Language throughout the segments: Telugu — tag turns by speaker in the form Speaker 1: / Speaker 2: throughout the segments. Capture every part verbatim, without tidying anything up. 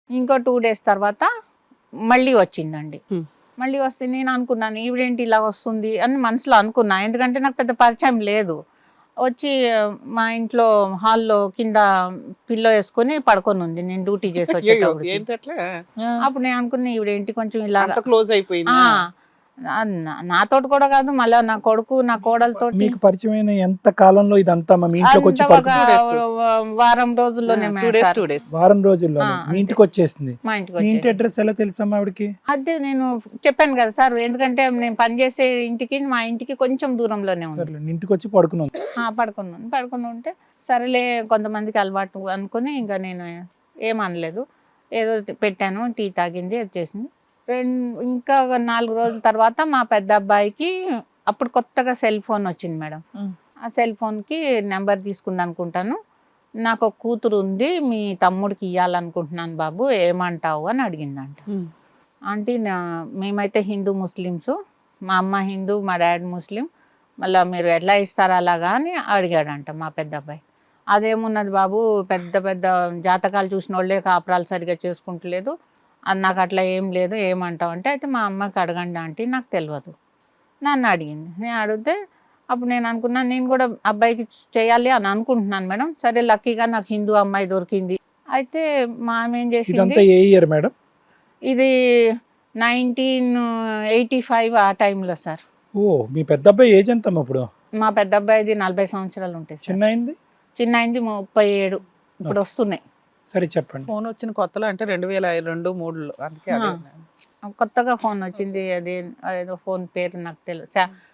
Speaker 1: ఇంకో టూ డేస్ తర్వాత మళ్ళీ వచ్చిందండి.
Speaker 2: హ్మ్.
Speaker 1: మళ్ళీ వస్తే నేను అనుకున్నాను ఈవిడేంటి ఇలా వస్తుంది అని మనసులో అనుకున్నా. ఎందుకంటే నాకు పెద్ద పరిచయం లేదు. వచ్చి మా ఇంట్లో హాల్‌లో కింద పిల్లో యేసుకొని పడుకొనుంది. నేను డ్యూటీ చేసి
Speaker 2: అయ్యయ్యో!
Speaker 1: వచ్చేటప్పటికి.
Speaker 2: ఏంటట్లా?
Speaker 1: అప్పుడు నేను అనుకున్నా ఈవిడేంటి కొంచెం ఇలాగా
Speaker 2: అంత క్లోజ్
Speaker 1: ఆ!
Speaker 2: అయిపోయిందా?
Speaker 1: నా నా- నాతోటి కూడా కాదు, మళ్ళా నా కొడుకు, నా కోడలతోటి
Speaker 3: మీకు పరిచయమైన ఎంత కాలంలో ఇదంతా మీ ఇంట్లోకి వచ్చి
Speaker 1: అంతా ఒక
Speaker 3: పడుకు
Speaker 2: two days.
Speaker 1: వారం రోజుల్లోనే
Speaker 2: two
Speaker 1: madam
Speaker 2: days
Speaker 1: sir
Speaker 2: two days
Speaker 3: వారం రోజుల్లో
Speaker 1: ఆ,
Speaker 3: మీ
Speaker 1: అంతే.
Speaker 3: ఇంటికి వచ్చేసింది.
Speaker 1: మా ఇంటికి
Speaker 3: మీ ఇంటి
Speaker 1: వచ్చేసి
Speaker 3: అడ్రస్ ఎలా తెలుసమ్మా ఆవిడకి?
Speaker 1: అదే నేను చెప్పాను కదా సార్, ఎందుకంటే నేను పనిచేసే ఇంటికి మా ఇంటికి కొంచెం దూరంలోనే ఉంది.
Speaker 3: సర్లే, ఇంటికి వచ్చి పడుకున్నాం.
Speaker 1: ఆ, పడుకున్నాను పడుకుని ఉంటే సరేలే కొంతమందికి అలవాటు అనుకుని ఇంకా నేను ఏమనలేదు. ఏదో పెట్టాను, టీ తాగింది, వచ్చేసింది. రెండు ఇంకా ఒక నాలుగు రోజుల తర్వాత మా పెద్ద అబ్బాయికి అప్పుడు కొత్తగా సెల్ ఫోన్ వచ్చింది మేడం.
Speaker 2: ఉం.
Speaker 1: ఆ సెల్ ఫోన్కి నెంబర్ తీసుకుంది అనుకుంటాను. నాకు ఒక కూతురు ఉంది, మీ తమ్ముడికి ఇవ్వాలనుకుంటున్నాను బాబు, ఏమంటావు అని అడిగిందంట. ఆంటీ నా మేమైతే హిందూ ముస్లిమ్స్, మా అమ్మ హిందూ, మా డాడీ ముస్లిం, మళ్ళీ మీరు ఎట్లా ఇస్తారా అలాగా అని అడిగాడంట మా పెద్ద అబ్బాయి. అదేమున్నది బాబు, పెద్ద పెద్ద జాతకాలు చూసిన వాళ్ళే కాపురాలు సరిగా చేసుకుంటలేదు, అది నాకు అట్లా ఏం లేదు, ఏమంటావు అంటే, అయితే మా అమ్మకి అడగండి ఆంటీ, నాకు తెలియదు. నన్ను అడిగింది. నేను అడిగితే అప్పుడు నేను అనుకున్నాను నేను కూడా అబ్బాయికి చేయాలి అని అనుకుంటున్నాను మేడం. సరే లక్కీగా నాకు హిందూ అమ్మాయి దొరికింది. అయితే మా ఆమె ఏం చేసింది,
Speaker 3: ఇదంతా ఏ ఇయర్ మేడం?
Speaker 1: ఇది నైన్టీన్ ఎయిటీ ఫైవ్ ఆ టైంలో సార్.
Speaker 3: ఓ, మీ పెద్ద అబ్బాయి ఏజ్ ఎంతమ్మా ఇప్పుడు?
Speaker 1: మా పెద్ద అబ్బాయిది నలభై సంవత్సరాలు ఉంటాయి సార్.
Speaker 3: చిన్న అయింది?
Speaker 1: చిన్న అయింది ముప్పై ఏడు ఇప్పుడు వస్తున్నాయి.
Speaker 3: సరే చెప్పండి.
Speaker 2: ఫోన్ వచ్చిన కొత్తలో అంటే రెండు వేల రెండు మూడులో అందుకే అదే.
Speaker 1: కొత్తగా ఫోన్ వచ్చింది, అది ఏదో ఫోన్ పేరు నాకు తెలియదు,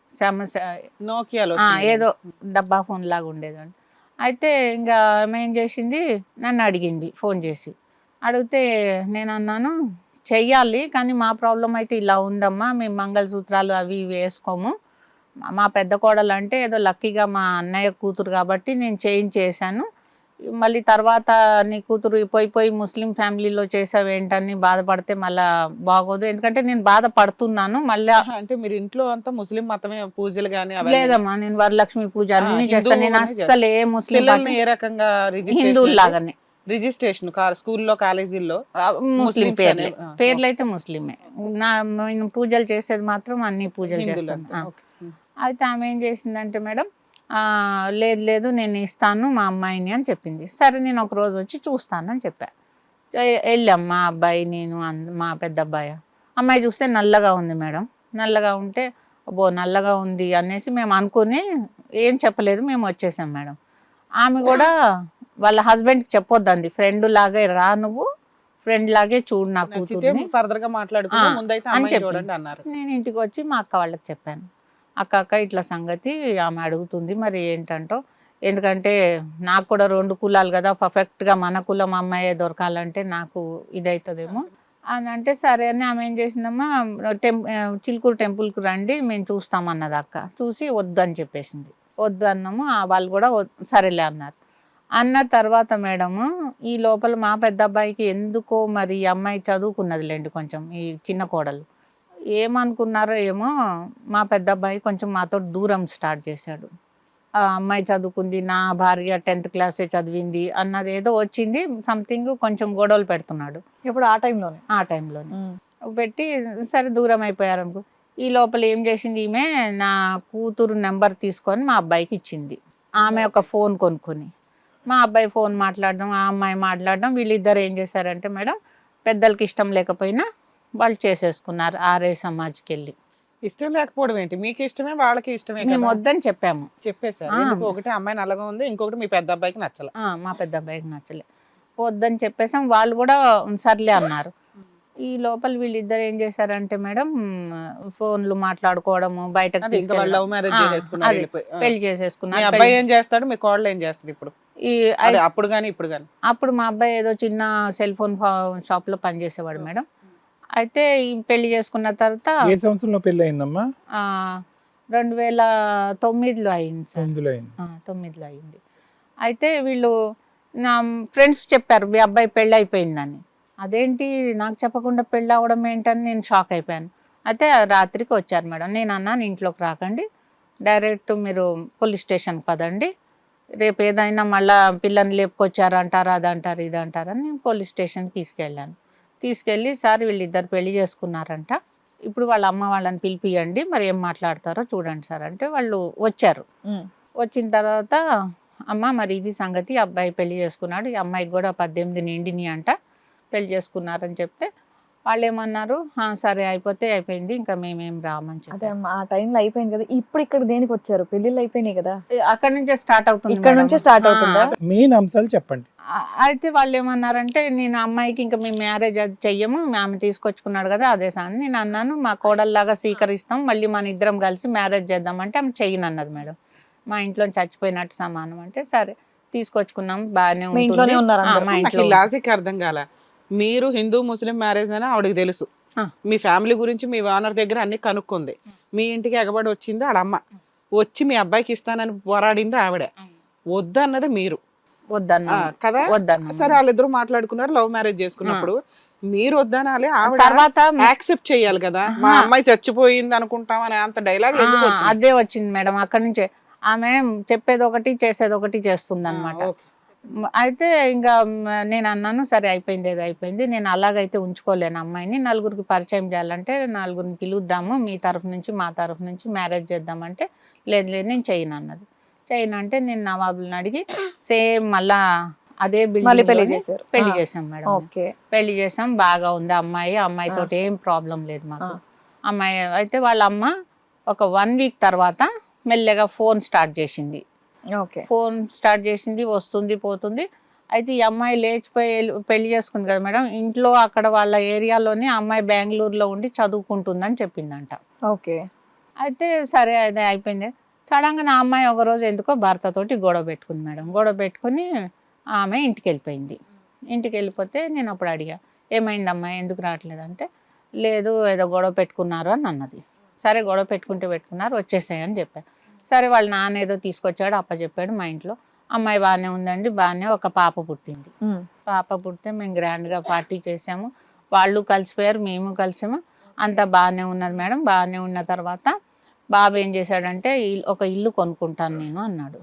Speaker 2: నోకియాలో
Speaker 1: ఏదో డబ్బా ఫోన్ లాగా ఉండేదండి. అయితే ఇంకా ఆమె ఏం చేసింది, నన్ను అడిగింది ఫోన్ చేసి. అడిగితే నేను అన్నాను చెయ్యాలి, కానీ మా ప్రాబ్లం అయితే ఇలా ఉందమ్మా, మేము మంగళసూత్రాలు అవి ఇవి వేసుకోము. మా పెద్ద కోడలు అంటే ఏదో లక్కీగా మా అన్నయ్య కూతురు కాబట్టి నేను చేంజ్ చేశాను, మళ్ళీ తర్వాత నీ కూతురు పోయి పోయి ముస్లిం ఫ్యామిలీలో చేసావు ఏంటని బాధపడితే మళ్ళీ బాగోదు, ఎందుకంటే నేను బాధపడుతున్నాను మళ్ళీ.
Speaker 2: అంటే మీరు ఇంట్లో అంతా ముస్లిం మతమే పూజలు గానీ
Speaker 1: లేదమ్మా, నేను వరలక్ష్మి పూజ అన్ని
Speaker 2: హిందూ
Speaker 1: చేస్తాను, నేను
Speaker 2: అన్ని
Speaker 1: అస్సలు ఏ ముస్లిం
Speaker 2: పిల్లల్ని ఏ రకంగా
Speaker 1: హిందువులు
Speaker 2: రిజిస్ట్రేషన్
Speaker 1: లాగానే
Speaker 2: రిజిస్ట్రేషన్ స్కూల్లో కాలేజీల్లో
Speaker 1: ముస్లిం
Speaker 2: ముస్లిమ్స్
Speaker 1: పేర్లే,
Speaker 2: అనే- ఆ,
Speaker 1: పేర్లు అయితే ముస్లిమే. నా నేను పూజలు చేసేది మాత్రం అన్ని పూజలు
Speaker 2: హిందువులు
Speaker 1: చేస్తాను.
Speaker 2: అంతే.
Speaker 1: ఆ.
Speaker 2: ఓకే. ఉం.
Speaker 1: అయితే ఆమె ఏం చేసిందంటే మేడం, ఆ, లేదు లేదు నేను ఇస్తాను మా అమ్మాయిని అని చెప్పింది. సరే నేను ఒక రోజు వచ్చి చూస్తాను అని చెప్పా. ఎ- వెళ్ళాం మా అబ్బాయి నేను అన్- మా పెద్ద అబ్బాయి. అమ్మాయి చూస్తే నల్లగా ఉంది మేడం. నల్లగా ఉంటే అబ్బో నల్లగా ఉంది అనేసి మేము అనుకుని ఏం చెప్పలేదు, మేము వచ్చేసాం మేడం. ఆమె కూడా వాళ్ళ హస్బెండ్కి చెప్పొద్దండి, ఫ్రెండ్ లాగే రా నువ్వు, ఫ్రెండ్ లాగే చూడు నా
Speaker 2: నచ్చితే
Speaker 1: కూతుర్ని
Speaker 2: ఫర్దర్ గా మాట్లాడుకుంటే
Speaker 1: ఆ,
Speaker 2: ముందైతే
Speaker 1: అని
Speaker 2: అమ్మాయి
Speaker 1: చెప్పింది.
Speaker 2: చూడండి అన్నారు.
Speaker 1: నేను ఇంటికి వచ్చి మా అక్క వాళ్ళకి చెప్పాను. అక్క అక్క ఇట్లా సంగతి ఆమె అడుగుతుంది, మరి ఏంటంటో, ఎందుకంటే నాకు కూడా రెండు కులాలు కదా, పర్ఫెక్ట్గా మన కులం అమ్మాయే దొరకాలంటే నాకు ఇదవుతుందేమో అని అంటే, సరే అని ఆమె ఏం చేసిందమ్మా, టెంప్ చిలుకూరు టెంపుల్కి రండి మేము చూస్తామన్నది అక్క. చూసి వద్దు అని చెప్పేసింది. వద్దు అన్నాము, ఆ వాళ్ళు కూడా వద్- సరేలే అన్నారు. అన్న తర్వాత మేడము ఈ లోపల మా పెద్ద అబ్బాయికి ఎందుకో మరి ఈ అమ్మాయి చదువుకున్నదిలేండి కొంచెం, ఈ చిన్న కోడలు ఏమనుకున్నారో ఏమో, మా పెద్ద అబ్బాయి కొంచెం మాతో దూరం స్టార్ట్ చేశాడు. ఆ అమ్మాయి చదువుకుంది, నా భార్య టెన్త్ క్లాసే చదివింది అన్నది ఏదో వచ్చింది, సంథింగ్ కొంచెం గొడవలు పెడుతున్నాడు
Speaker 4: ఇప్పుడు ఆ టైంలోనే.
Speaker 1: ఆ టైంలోనే పెట్టి. సరే దూరం అయిపోయారు అనుకో. ఈ లోపల ఏం చేసింది ఈమె, నా కూతురు నెంబర్ తీసుకొని మా అబ్బాయికి ఇచ్చింది. ఆమె ఒక ఫోన్ కొనుక్కొని మా అబ్బాయి ఫోన్ మాట్లాడడం, ఆ అమ్మాయి మాట్లాడడం, వీళ్ళిద్దరు ఏం చేశారంటే మేడం, పెద్దలకి ఇష్టం లేకపోయినా వాళ్ళు చేసేసుకున్నారు ఆర్ఏ సమాజ్కి వెళ్ళి.
Speaker 2: ఇష్టం లేకపోవడం ఏంటి, మీకు ఇష్టమే వాళ్ళకి ఇష్టమే
Speaker 1: మేము
Speaker 2: కదా
Speaker 1: వద్దని చెప్పాము.
Speaker 2: చెప్పేశారు.
Speaker 1: ఆ.
Speaker 2: ఎందుకు ఒకటి అమ్మాయి నల్లగా ఉంది, ఇంకొకటి మీ పెద్ద అబ్బాయికి నచ్చల.
Speaker 1: ఆ, మా పెద్ద అబ్బాయికి నచ్చలే, వద్దని చెప్పేసాం. వాళ్ళు కూడా సర్లే అన్నారు. ఈ లోపల వీళ్ళిద్దరు ఏం చేశారంటే మేడం, ఫోన్లు మాట్లాడుకోవడము, బయటకు
Speaker 2: అది ఇంకా వాళ్ళు లవ్ మ్యారేజ్
Speaker 1: ఆ,
Speaker 2: చేసుకున్నారు,
Speaker 1: అది.
Speaker 2: వెళ్ళిపోయి. ఆ.
Speaker 1: పెళ్లి
Speaker 2: మీ
Speaker 1: చేసేసుకున్నారు.
Speaker 2: అబ్బాయి
Speaker 1: పెళ్లి-
Speaker 2: ఏం చేస్తాడు, మీ కోడలు ఏం చేస్తుంది ఇప్పుడు?
Speaker 1: ఈ
Speaker 2: అదే అప్పుడు గానీ ఇప్పుడు గానీ
Speaker 1: అప్పుడు మా అబ్బాయి ఏదో చిన్న సెల్ ఫోన్ షాప్ లో పనిచేసేవాడు మేడం. అయితే ఈ పెళ్లి చేసుకున్న తర్వాత
Speaker 3: ఏ సంవత్సరంలో పెళ్లి అయిందమ్మా?
Speaker 1: ఆ, రెండు వేల తొమ్మిదిలో అయింది సార్.
Speaker 3: తొమ్మిదిలో అయింది.
Speaker 1: ఆ, తొమ్మిదిలో అయింది. అయితే వీళ్ళు నా ఫ్రెండ్స్ చెప్పారు మీ అబ్బాయి పెళ్ళి అయిపోయిందని. అదేంటి నాకు చెప్పకుండా పెళ్ళి అవ్వడం ఏంటని నేను షాక్ అయిపోయాను. అయితే రాత్రికి వచ్చారు మేడం. నేను అన్నాను ఇంట్లోకి రాకండి, డైరెక్ట్ మీరు పోలీస్ స్టేషన్కి పదండి, రేపు ఏదైనా మళ్ళా పిల్లని లేపుకొచ్చారు అంటారు, అది అంటారు, ఇది అంటారని నేను పోలీస్ స్టేషన్కి తీసుకెళ్ళాను. తీసుకెళ్ళి సార్ వీళ్ళిద్దరు పెళ్లి చేసుకున్నారంట, ఇప్పుడు వాళ్ళ అమ్మ వాళ్ళని పిలిపియండి, మరి ఏం మాట్లాడతారో చూడండి సార్ అంటే వాళ్ళు వచ్చారు. వచ్చిన తర్వాత అమ్మ మరి ఇది సంగతి, అబ్బాయి పెళ్లి చేసుకున్నాడు, ఈ అమ్మాయికి కూడా పద్దెనిమిది నిండిని అంట, పెళ్లి చేసుకున్నారని చెప్తే వాళ్ళు ఏమన్నారు, "ఆ, సరే అయిపోతే అయిపోయింది, ఇంకా మేమేం రామని
Speaker 4: అదే
Speaker 1: చెప్పారు."
Speaker 4: అమ్మా, ఆ టైంలో అయిపోయింది కదా, ఇప్పుడు ఇక్కడ దేనికి వచ్చారు? పెళ్లిళ్ళు అయిపోయినాయి కదా,
Speaker 1: అక్కడ నుంచే స్టార్ట్ అవుతుంది
Speaker 4: ఇక్కడ
Speaker 1: మేడం.
Speaker 4: నుంచే స్టార్ట్
Speaker 1: ఆ,
Speaker 4: అవుతుందా?
Speaker 3: మెయిన్ అంశాలు చెప్పండి.
Speaker 1: ఆ, అయితే వాళ్ళు ఏమన్నారంటే, నేను అమ్మాయికి ఇంకా మేము మ్యారేజ్ అది చెయ్యము, ఆమె తీసుకొచ్చుకున్నాడు కదా అదే సంగతి. నేను అన్నాను, మా కోడల్లాగా స్వీకరిస్తాం, మళ్ళీ మన ఇద్దరం కలిసి మ్యారేజ్ చేద్దామంటే ఆమె చెయ్యను అన్నది మేడం. మా ఇంట్లో చచ్చిపోయినట్టు సమానం అంటే సరే తీసుకొచ్చుకున్నాం, బాగానే
Speaker 4: మీ ఇంట్లోనే
Speaker 1: ఉంటుంది.
Speaker 4: ఉన్నారు
Speaker 1: ఆ,
Speaker 4: అందరూ?
Speaker 1: మా
Speaker 2: నాకు
Speaker 1: ఇంట్లో
Speaker 2: ఈ లాజిక్ అర్థం కాల. మీరు హిందూ ముస్లిం మ్యారేజ్ అని ఆవిడకి తెలుసు,
Speaker 1: ఆ.
Speaker 2: మీ ఫ్యామిలీ గురించి మీ ఓనర్ దగ్గర అన్ని కనుక్కుంది, మీ ఇంటికి ఎగబడి వచ్చింది ఆడమ్మ, వచ్చి మీ అబ్బాయికి ఇస్తానని పోరాడింది ఆవిడ, వద్దన్నది మీరు.
Speaker 1: వద్దన్నా
Speaker 2: ఆ, కదా
Speaker 1: వద్దన్నా
Speaker 2: సరే వాళ్ళిద్దరు మాట్లాడుకున్నారు, లవ్ మ్యారేజ్ చేసుకున్నప్పుడు మీరు వద్దనాలి, ఆవిడ
Speaker 1: తర్వాత
Speaker 2: యాక్సెప్ట్ చేయాలి కదా. మా
Speaker 1: ఆహా.
Speaker 2: అమ్మాయి చచ్చిపోయింది అనుకుంటాం అని అంత డైలాగ్ ఎందుకు
Speaker 1: ఆ,
Speaker 2: వచ్చింది?
Speaker 1: అదే వచ్చింది మేడం. అక్కడి నుంచే ఆమె చెప్పేది ఒకటి చేసేది ఒకటి చేస్తుంది అనమాట.
Speaker 2: ఆ, ఓకే.
Speaker 1: అయితే ఇంకా మ్, నేను అన్నాను, సరే అయిపోయింది ఏదో అయిపోయింది, నేను అలాగైతే ఉంచుకోలేను అమ్మాయిని, నలుగురికి పరిచయం చేయాలంటే నలుగురిని పిలుద్దాము, మీ తరఫు నుంచి మా తరఫు నుంచి మ్యారేజ్ చేద్దామంటే లేదు లేదు నేను చేయను అన్నది. చేయను అంటే నేను నవాబులను అడిగి సేమ్ మళ్ళా అదే
Speaker 4: మళ్ళీ పెళ్లి
Speaker 1: బిల్డింగ్
Speaker 4: చేశారు?
Speaker 1: పెళ్లి
Speaker 4: ఆ,
Speaker 1: చేసాం మేడం.
Speaker 4: ఓకే.
Speaker 1: పెళ్లి చేసాం, బాగా ఉంది అమ్మాయి, అమ్మాయితో ఏం ప్రాబ్లం లేదు మాకు.
Speaker 4: ఆ.
Speaker 1: అమ్మాయి అయితే వాళ్ళ అమ్మ ఒక వన్ వీక్ తర్వాత మెల్లగా ఫోన్ స్టార్ట్ చేసింది.
Speaker 4: ఓకే.
Speaker 1: ఫోన్ స్టార్ట్ చేసింది, వస్తుంది పోతుంది. అయితే ఈ అమ్మాయి లేచిపోయి వెళ్ళి- పెళ్లి చేసుకుంది కదా మేడం, ఇంట్లో అక్కడ వాళ్ళ ఏరియాలోనే అమ్మాయి బెంగళూరులో ఉండి చదువుకుంటుందని చెప్పిందంట.
Speaker 4: ఓకే.
Speaker 1: అయితే సరే అదే అయిపోయింది. సడన్గా నా అమ్మాయి ఒకరోజు ఎందుకో భర్తతోటి గొడవ పెట్టుకుంది మేడం. గొడవ పెట్టుకుని ఆమె ఇంటికి వెళ్ళిపోయింది. ఇంటికి వెళ్ళిపోతే నేను అప్పుడు అడిగా, ఏమైంది అమ్మాయి ఎందుకు రావట్లేదు అంటే, లేదు ఏదో గొడవ పెట్టుకున్నారు అని అన్నది. సరే గొడవ పెట్టుకుంటే పెట్టుకున్నారు, వచ్చేసాయని చెప్పాను. సరే వాళ్ళ నాన్న ఏదో తీసుకొచ్చాడు, అప్పచెప్పాడు మా ఇంట్లో. అమ్మాయి బాగానే ఉందండి, బాగానే ఒక పాప పుట్టింది.
Speaker 4: ఉమ్.
Speaker 1: పాప పుడితే మేము గ్రాండ్గా పార్టీ చేసాము, వాళ్ళు కలిసిపోయారు, మేము కలిసాము, అంతా బాగానే ఉన్నది మేడం. బాగానే ఉన్న తర్వాత బాబు ఏం చేశాడంటే, "ఇల్- ఒక ఇల్లు కొనుక్కుంటాను నేను" అన్నాడు.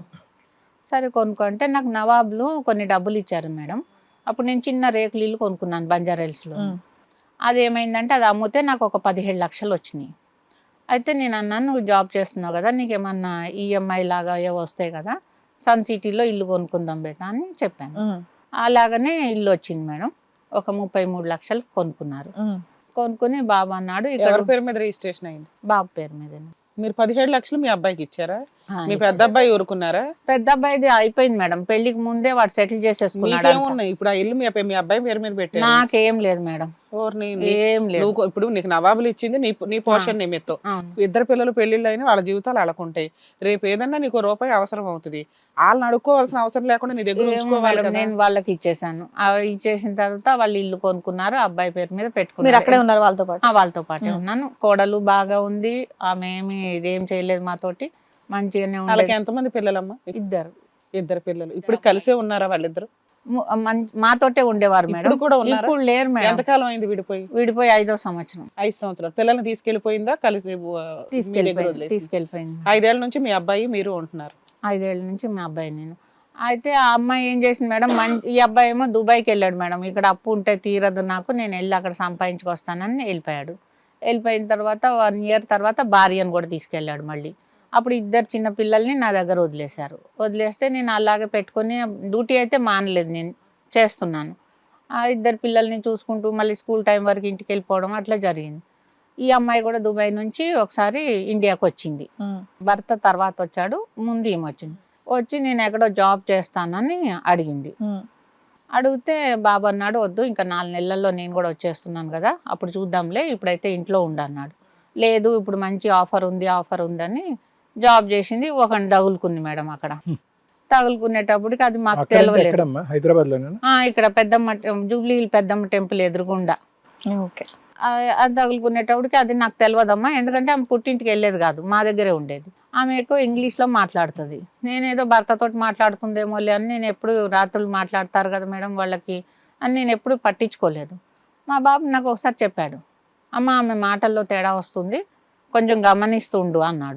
Speaker 1: సరే కొనుక్కుంటే నాకు నవాబులు కొన్ని డబ్బులు ఇచ్చారు మేడం. అప్పుడు నేను చిన్న రేకులు ఇల్లు కొనుక్కున్నాను బంజారా హిల్స్లో.
Speaker 4: ఉమ్.
Speaker 1: అది ఏమైందంటే అది అమ్మితే నాకు ఒక పదిహేడు లక్షలు వచ్చినాయి. అయితే నేను అన్నాను, నువ్వు జాబ్ చేస్తున్నావు కదా, నీకు ఏమన్నా ఈఎంఐ లాగా ఏవో వస్తాయి కదా, సన్ సిటీలో ఇల్లు కొనుక్కుందాం బేటా అని చెప్పాను.
Speaker 4: ఉమ్.
Speaker 1: అలాగనే ఇల్లు వచ్చింది మేడం. ఒక ముప్పై మూడు లక్షలు కొనుక్కున్నారు.
Speaker 4: ఉమ్.
Speaker 1: కొనుక్కుని బాబు అన్నాడు, ఇక్కడ
Speaker 2: ఎవరి పేరు మీద రిజిస్ట్రేషన్ అయింది?
Speaker 1: బాబు పేరు మీద.
Speaker 2: మీరు పదిహేడు లక్షలు మీ అబ్బాయికి ఇచ్చారా? మీ పెద్ద అబ్బాయి ఊరుకున్నారా?
Speaker 1: పెద్ద అబ్బాయిది అయిపోయింది మేడం, పెళ్లికి ముందే వాడు సెటిల్ చేసేసుకున్నాడు.
Speaker 2: మీకేమున్నాయి ఇప్పుడు? ఆ ఇల్లు మీ అబ్బాయి- మీ అబ్బాయి పేరు మీద పెట్టారు.
Speaker 1: నాకేం లేదు మేడం,
Speaker 2: ఓర్ని, నీ-
Speaker 1: ఏం లేదు.
Speaker 2: నువ్వు ఇప్పుడు నీకు నవాబులు ఇచ్చింది నీ నీ పోషన్ నిమిత్తం.
Speaker 1: అవును.
Speaker 2: ఇద్దరు పిల్లలు పెళ్లిళ్ళు అయినా వాళ్ళ జీవితాలు అలకుంటాయి. రేపు ఏదన్నా నీకు రూపాయి అవసరం అవుతుంది, వాళ్ళని అడుక్కోవాల్సిన అవసరం లేకుండా నీ దగ్గర
Speaker 1: ఏమో
Speaker 2: ఉంచుకోవాలి
Speaker 1: మేడం,
Speaker 2: కదా.
Speaker 1: నేను వాళ్ళకి ఇచ్చేసాను. ఆ ఇచ్చేసిన తర్వాత వాళ్ళు ఇల్లు కొనుక్కున్నారు, అబ్బాయి పేరు మీద
Speaker 4: మీరు
Speaker 1: పెట్టుకున్నారు.
Speaker 4: అక్కడే ఉన్నారు వాళ్ళతో పాటు?
Speaker 1: ఆ, వాళ్ళతో పాటే ఉన్నాను. కోడలు బాగా ఉంది, ఆమె ఏమి ఇదేం చేయలేదు మాతోటి, మంచిగానే
Speaker 2: వాళ్ళకి
Speaker 1: ఉండేది.
Speaker 2: ఎంతమంది పిల్లలమ్మా?
Speaker 1: ఇద్దరు
Speaker 2: ఇద్దరు పిల్లలు. ఇప్పుడు కలిసే ఉన్నారా వాళ్ళిద్దరు?
Speaker 1: ము- మం- మాతోటే ఉండేవారు మేడం.
Speaker 2: ఇప్పుడు కూడా ఉన్నారా?
Speaker 1: ఇప్పుడు లేరు మేడం,
Speaker 2: ఎంతకాలం అయింది విడిపోయి?
Speaker 1: విడిపోయి ఐదో సంవత్సరం.
Speaker 2: ఐదు సంవత్సరాలు. పిల్లల్ని తీసుకెళ్లిపోయిందా కలిసి? ఆ, మీ దగ్గర
Speaker 1: తీసుకెళ్ళిపోయింది
Speaker 2: వదిలేసి
Speaker 1: తీసుకెళ్ళిపోయింది
Speaker 2: ఐదేళ్ల నుంచి మీ అబ్బాయి మీరు ఉంటున్నారు.
Speaker 1: ఐదేళ్ల నుంచి మా అబ్బాయి నేను. అయితే ఆ అమ్మాయి ఏం చేసింది మేడం, మంచి ఈ అబ్బాయి ఏమో దుబాయ్కి వెళ్ళాడు మేడం, ఇక్కడ అప్పు ఉంటే తీరదు నాకు, నేను వెళ్ళి అక్కడ సంపాదించుకొస్తానని వెళ్ళిపోయాడు. వెళ్ళిపోయిన తర్వాత వన్ ఇయర్ తర్వాత భార్యను కూడా తీసుకెళ్ళాడు మళ్ళీ. అప్పుడు ఇద్దరు చిన్న పిల్లల్ని నా దగ్గర వదిలేశారు. వదిలేస్తే నేను అలాగే పెట్టుకొని డ్యూటీ అయితే మానలేదు, నేను చేస్తున్నాను. ఆ ఇద్దరు పిల్లల్ని చూసుకుంటూ మళ్ళీ స్కూల్ టైం వరకు ఇంటికి వెళ్ళిపోవడం అట్లా జరిగింది. ఈ అమ్మాయి కూడా దుబాయ్ నుంచి ఒకసారి ఇండియాకి వచ్చింది.
Speaker 4: ఉమ్.
Speaker 1: భర్త తర్వాత వచ్చాడు, ముందు ఈమె వచ్చింది. వచ్చి నేను ఎక్కడో జాబ్ చేస్తానని అడిగింది.
Speaker 4: ఉమ్.
Speaker 1: అడిగితే బాబు అన్నాడు, వద్దు ఇంకా నాలుగు నెలల్లో నేను కూడా వచ్చేస్తున్నాను కదా, అప్పుడు చూద్దాంలే, ఇప్పుడైతే ఇంట్లో ఉండన్నాడు. లేదు ఇప్పుడు మంచి ఆఫర్ ఉంది ఆఫర్ ఉందని జాబ్ చేసింది. ఒకని తగులుకుంది మేడం అక్కడ. తగులుకునేటప్పటికి అది మాకు
Speaker 3: అక్కడ అంటే
Speaker 1: తెలియలేదు.
Speaker 3: ఎక్కడమ్మా? హైదరాబాద్ లోనేనా?
Speaker 1: ఆ, ఇక్కడ Peddamma Jubilee Hill Peddamma temple ఎదురుగుండా.
Speaker 4: ఓకే.
Speaker 1: ఆ, అది తగులుకునేటప్పటికి అది నాకు తెలియదమ్మా, ఎందుకంటే ఆమె పుట్టింటికి వెళ్ళేది కాదు, మా దగ్గరే ఉండేది. ఆమె ఎక్కువ ఇంగ్లీష్లో మాట్లాడుతుంది. నేనేదో భర్తతో మాట్లాడుతుందేమో లే అని నేను ఎప్పుడు, రాత్రులు మాట్లాడతారు కదా మేడం వాళ్ళకి అని నేను ఎప్పుడు పట్టించుకోలేదు. మా బాబు నాకు ఒకసారి చెప్పాడు, అమ్మ ఆమె మాటల్లో తేడా వస్తుంది, కొంచెం గమనిస్తుండు అన్నాడు.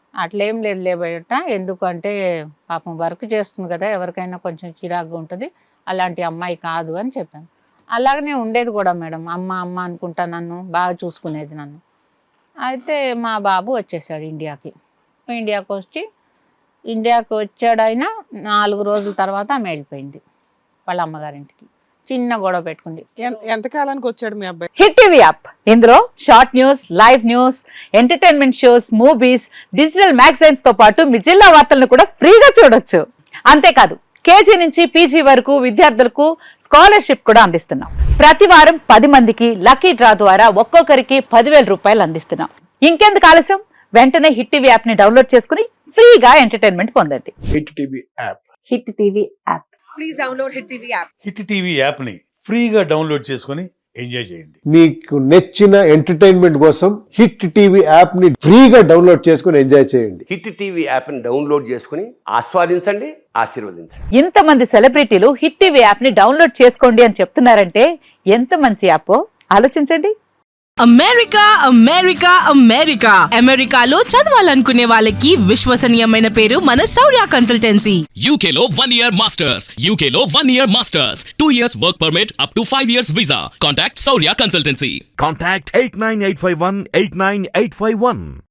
Speaker 1: అట్లేం లేదు లేబట, ఎందుకంటే పాపం వర్క్ చేస్తుంది కదా, ఎవరికైనా కొంచెం చిరాకుగా ఉంటుంది, అలాంటి అమ్మాయి కాదు అని చెప్పాను. అలాగనే ఉండేది కూడా మేడం, అమ్మ అమ్మ అనుకుంటా నన్ను బాగా చూసుకునేది నన్ను. అయితే మా బాబు వచ్చేసాడు ఇండియాకి. ఇండియాకి వచ్చి ఇండియాకి వచ్చాడైనా నాలుగు రోజుల తర్వాత ఆమె వెళ్ళిపోయింది వాళ్ళ అమ్మగారింటికి. చిన్న గొడవ పెట్టుకుంది.
Speaker 2: ఎన్- ఎంతకాలానికి వచ్చాడు మీ అబ్బాయి?
Speaker 5: హిట్ టీవీ యాప్ ఇందులో short news, live news, entertainment shows, movies, digital magazines తో పాటు మీ జిల్లా వార్తలను కూడా ఫ్రీగా చూడొచ్చు. అంతేకాదు కేజీ నుంచి పీజీ వరకు విద్యార్థులకు స్కాలర్షిప్ కూడా అందిస్తున్నాం. ప్రతి వారం పది మందికి లక్కీ డ్రా ద్వారా ఒక్కొక్కరికి పదివేల రూపాయలు అందిస్తున్నాం. ఇంకెందుకు ఆలస్యం, వెంటనే హిట్ టీవీ యాప్ ని డౌన్లోడ్ చేసుకుని ఫ్రీగా ఎంటర్టైన్మెంట్ పొందండి.
Speaker 6: Hit TV app
Speaker 5: hit TV app.
Speaker 7: Hit TV యాప్ని ఫ్రీగా డౌన్లోడ్ చేసుకొని ఎంజాయ్ చేయండి.
Speaker 6: మీకు నచ్చిన ఎంటర్టైన్మెంట్ కోసం హిట్ టీవీ యాప్ ని ఫ్రీగా డౌన్లోడ్ చేసుకుని ఎంజాయ్ చేయండి.
Speaker 8: హిట్ టీవీ యాప్ని డౌన్లోడ్ చేసుకుని ఆస్వాదించండి, ఆశీర్వదించండి.
Speaker 5: ఇంతమంది సెలబ్రిటీలు హిట్ టీవీ యాప్ ని డౌన్లోడ్ చేసుకోండి అని చెప్తున్నారంటే ఎంత మంచి యాప్ ఆలోచించండి.
Speaker 9: అమెరికా అమెరికా అమెరికా అమెరికాలో చదవాలనుకునే వాళ్ళకి విశ్వసనీయమైన పేరు మన శౌర్య కన్సల్టెన్సీ.
Speaker 10: U K లో one year masters, U K లో one year masters, two years work permit up to five years visa. Contact Saurya Consultancy.
Speaker 11: Contact eight nine eight five one eight nine eight five one.